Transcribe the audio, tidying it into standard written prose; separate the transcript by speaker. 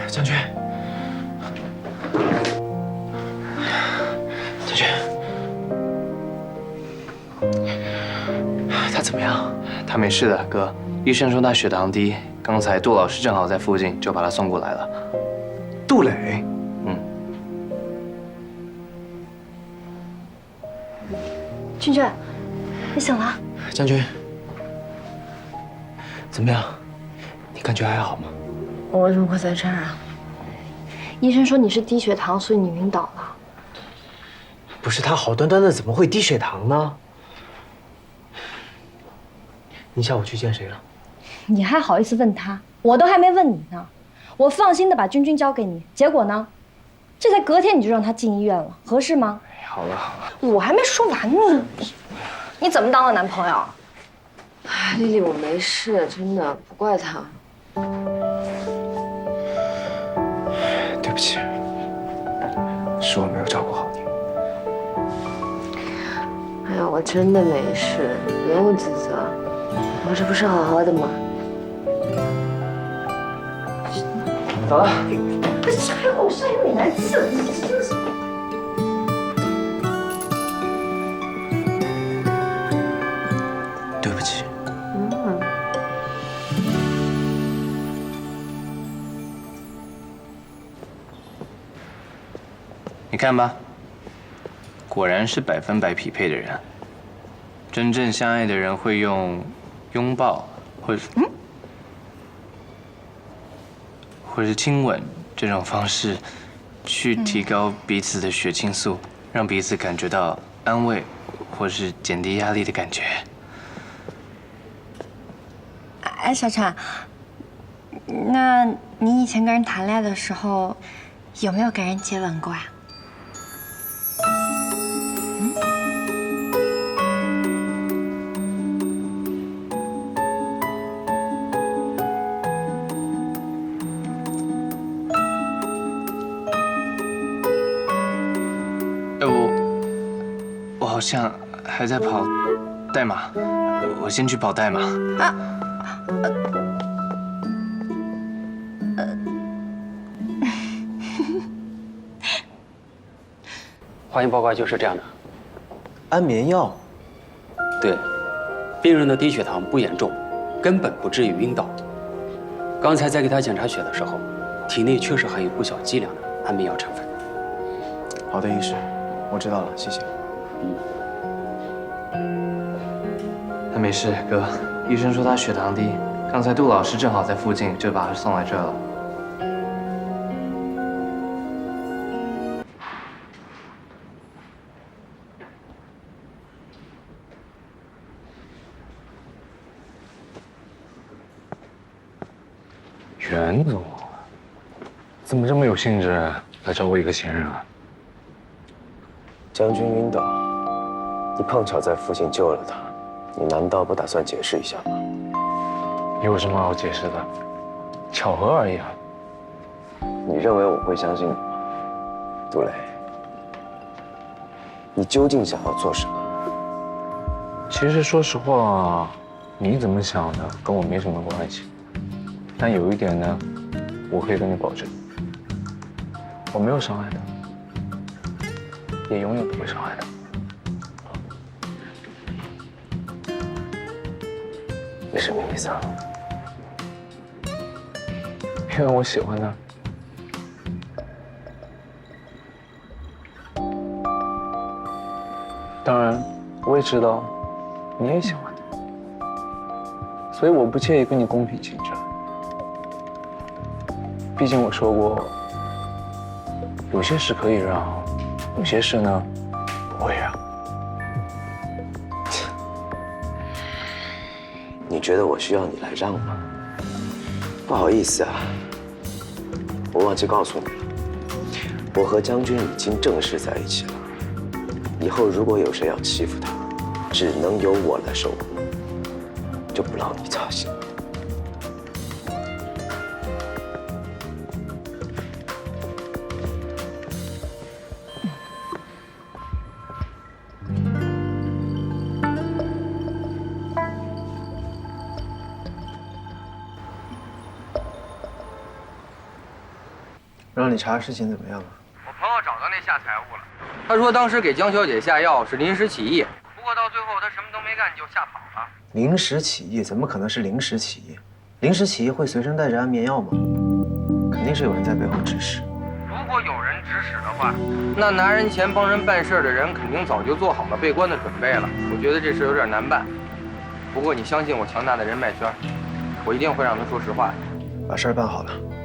Speaker 1: 将军，将军，他怎么样？
Speaker 2: 他没事的，哥。医生说他血糖低，刚才杜老师正好在附近，就把他送过来了。
Speaker 1: 杜磊，
Speaker 3: 君君，你醒了？
Speaker 1: 将军，怎么样？你感觉还好吗？
Speaker 3: 我为什么会在这儿啊？医生说你是低血糖，所以你晕倒了。
Speaker 1: 不是他好端端的怎么会低血糖呢？你下午去见谁了？
Speaker 3: 你还好意思问他？我都还没问你呢。我放心的把君君交给你，结果呢？这才隔天你就让他进医院了，合适吗？
Speaker 2: 好了好了，
Speaker 3: 我还没说完呢，你怎么当我男朋友？
Speaker 4: 哎，丽丽，我没事，真的不怪他。
Speaker 1: 对不起，是我没有照顾好你。
Speaker 4: 哎呀，我真的没事，不用自责，我这不是好好的吗？
Speaker 1: 走了。
Speaker 3: 还给我晒个美男子，真的是。
Speaker 1: 对不起。
Speaker 2: 你看吧，果然是100%匹配的人。真正相爱的人会用拥抱，或是亲吻这种方式，去提高彼此的血清素，让彼此感觉到安慰，或是减低压力的感觉。
Speaker 3: 哎，小婵，那你以前跟人谈恋爱的时候，有没有给人接吻过啊？
Speaker 2: 我好像还在跑代码，我先去跑代码。
Speaker 5: 化验报告就是这样的。
Speaker 1: 安眠药。
Speaker 5: 对，病人的低血糖不严重，根本不至于晕倒。刚才在给他检查血的时候，体内确实含有不小剂量的安眠药成分。
Speaker 1: 好的，医师，我知道了，谢谢。
Speaker 2: 他没事，哥。医生说他血糖低，刚才杜老师正好在附近，就把他送来这儿了。
Speaker 6: 袁总，怎么这么有兴致来找我一个闲人啊？
Speaker 7: 将军晕倒，你碰巧在附近救了他，你难道不打算解释一下吗？
Speaker 6: 有什么好解释的？巧合而已啊。
Speaker 7: 你认为我会相信你吗，杜磊？你究竟想要做什么？
Speaker 6: 其实说实话，你怎么想的跟我没什么关系。但有一点呢，我可以跟你保证，我没有伤害他，也永远不会伤害他。
Speaker 7: 你什么意思啊？
Speaker 6: 因为我喜欢他。当然，我也知道你也喜欢他，所以我不介意跟你公平竞争。毕竟我说过，有些事可以让，有些事呢不会让。
Speaker 7: 你觉得我需要你来让吗？不好意思啊，我忘记告诉你了，我和将军已经正式在一起了。以后如果有谁要欺负他，只能由我来受苦，就不劳你操心。
Speaker 1: 让你查事情怎么样了？
Speaker 8: 我朋友找到那下财务了，他说当时给江小姐下药是临时起意，不过到最后他什么都没干就吓跑了。
Speaker 1: 临时起意怎么可能是临时起意？临时起意会随身带着安眠药吗？肯定是有人在背后指使。
Speaker 8: 如果有人指使的话，那拿人钱帮人办事的人肯定早就做好了被关的准备了。我觉得这事有点难办，不过你相信我强大的人脉圈，我一定会让他说实话的。
Speaker 1: 把事儿办好了。